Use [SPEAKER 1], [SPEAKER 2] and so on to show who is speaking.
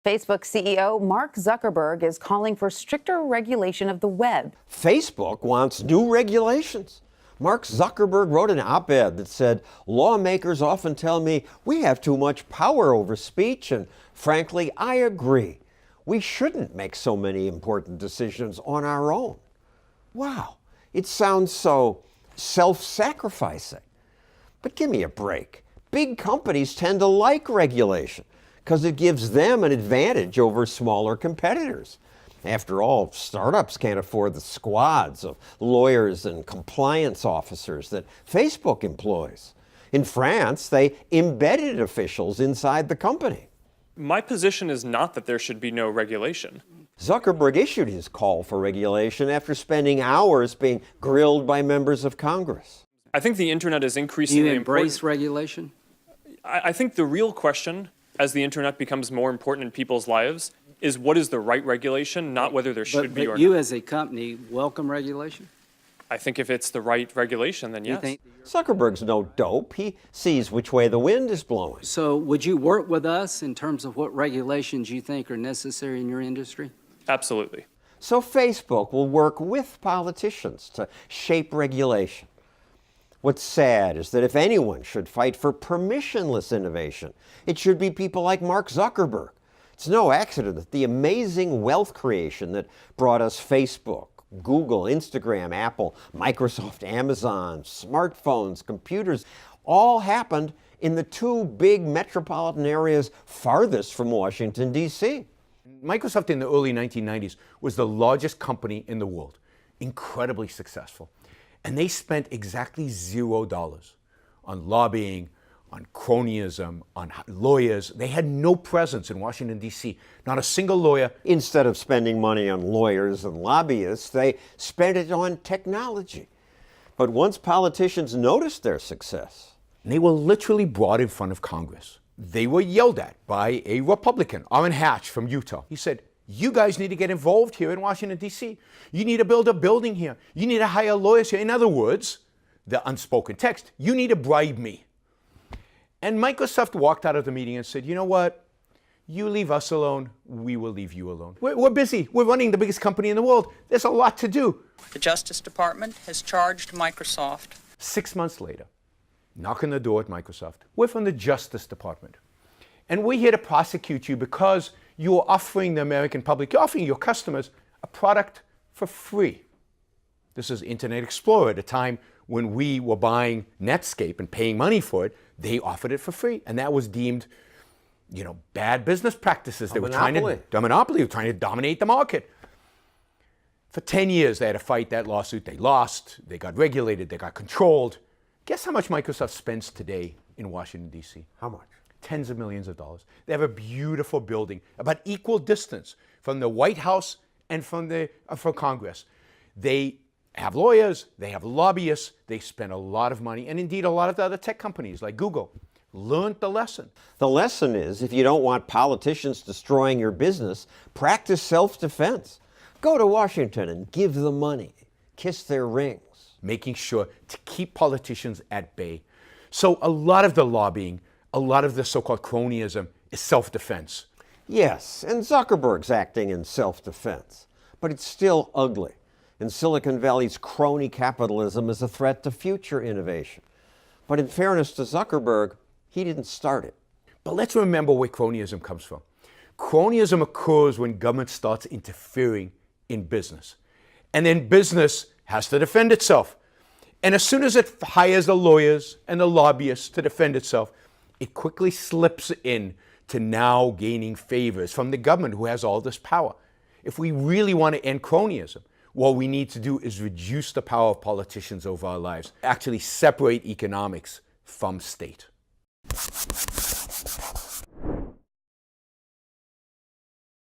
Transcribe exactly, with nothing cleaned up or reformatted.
[SPEAKER 1] Facebook C E O Mark Zuckerberg is calling for stricter regulation of the web.
[SPEAKER 2] Facebook wants new regulations. Mark Zuckerberg wrote an op-ed that said, lawmakers often tell me we have too much power over speech, and frankly, I agree. We shouldn't make so many important decisions on our own. Wow, it sounds so self-sacrificing. But give me a break. Big companies tend to like regulation because it gives them an advantage over smaller competitors. After all, startups can't afford the squads of lawyers and compliance officers that Facebook employs. In France, they embedded officials inside the company.
[SPEAKER 3] My position is not that there should be no regulation.
[SPEAKER 2] Zuckerberg issued his call for regulation after spending hours being grilled by members of Congress.
[SPEAKER 3] I think the internet is
[SPEAKER 4] Do
[SPEAKER 3] increasingly
[SPEAKER 4] you embrace
[SPEAKER 3] important.
[SPEAKER 4] regulation?
[SPEAKER 3] I, I think the real question, as the internet becomes more important in people's lives, is what is the right regulation, not whether there should
[SPEAKER 4] But,
[SPEAKER 3] be or
[SPEAKER 4] but you
[SPEAKER 3] not.
[SPEAKER 4] as a company welcome regulation?
[SPEAKER 3] I think if it's the right regulation, then
[SPEAKER 4] You
[SPEAKER 3] yes.
[SPEAKER 4] think-
[SPEAKER 2] Zuckerberg's no dope. He sees which way the wind is blowing.
[SPEAKER 4] So would you work with us in terms of what regulations you think are necessary in your industry?
[SPEAKER 3] Absolutely.
[SPEAKER 2] So Facebook will work with politicians to shape regulation. What's sad is that if anyone should fight for permissionless innovation, it should be people like Mark Zuckerberg. It's no accident that the amazing wealth creation that brought us Facebook, Google, Instagram, Apple, Microsoft, Amazon, smartphones, computers, all happened in the two big metropolitan areas farthest from Washington, D C
[SPEAKER 5] Microsoft in the early nineteen nineties was the largest company in the world, incredibly successful. And they spent exactly zero dollars on lobbying, on cronyism, on lawyers. They had no presence in Washington, D C, not a single lawyer.
[SPEAKER 2] Instead of spending money on lawyers and lobbyists, they spent it on technology. But once politicians noticed their success,
[SPEAKER 5] They were literally brought in front of Congress. They were yelled at by a Republican, Orrin Hatch from Utah. He said, you guys need to get involved here in Washington, D C. You need to build a building here. You need to hire lawyers here. In other words, the unspoken text, you need to bribe me. And Microsoft walked out of the meeting and said, you know what? You leave us alone, we will leave you alone. We're, we're busy. We're running the biggest company in the world. There's a lot to do.
[SPEAKER 6] The Justice Department has charged Microsoft.
[SPEAKER 5] Six months later, knock on the door at Microsoft. We're from the Justice Department. And we're here to prosecute you because you are offering the American public, you're offering your customers a product for free. This is Internet Explorer at a time when we were buying Netscape and paying money for it. They offered it for free. And that was deemed, you know, bad business practices. They
[SPEAKER 2] A
[SPEAKER 5] were trying to,
[SPEAKER 2] monopoly.
[SPEAKER 5] a monopoly, they were trying to dominate the market. For ten years, they had to fight that lawsuit. They lost, they got regulated, they got controlled. Guess how much Microsoft spends today in Washington, D C?
[SPEAKER 2] how much?
[SPEAKER 5] Tens of millions of dollars. They have a beautiful building, about equal distance from the White House and from, the, uh, from Congress. They have lawyers, they have lobbyists, they spend a lot of money, and indeed a lot of the other tech companies like Google learned the lesson.
[SPEAKER 2] The lesson is, if you don't want politicians destroying your business, practice self-defense. Go to Washington and give them money. Kiss their rings.
[SPEAKER 5] Making sure to keep politicians at bay. So a lot of the lobbying, a lot of the so-called cronyism is self-defense.
[SPEAKER 2] Yes, and Zuckerberg's acting in self-defense. But it's still ugly. And Silicon Valley's crony capitalism is a threat to future innovation. But in fairness to Zuckerberg, he didn't start it.
[SPEAKER 5] But let's remember where cronyism comes from. Cronyism occurs when government starts interfering in business. And then business has to defend itself. And as soon as it hires the lawyers and the lobbyists to defend itself, it quickly slips in to now gaining favors from the government who has all this power. If we really want to end cronyism, what we need to do is reduce the power of politicians over our lives, actually separate economics from state.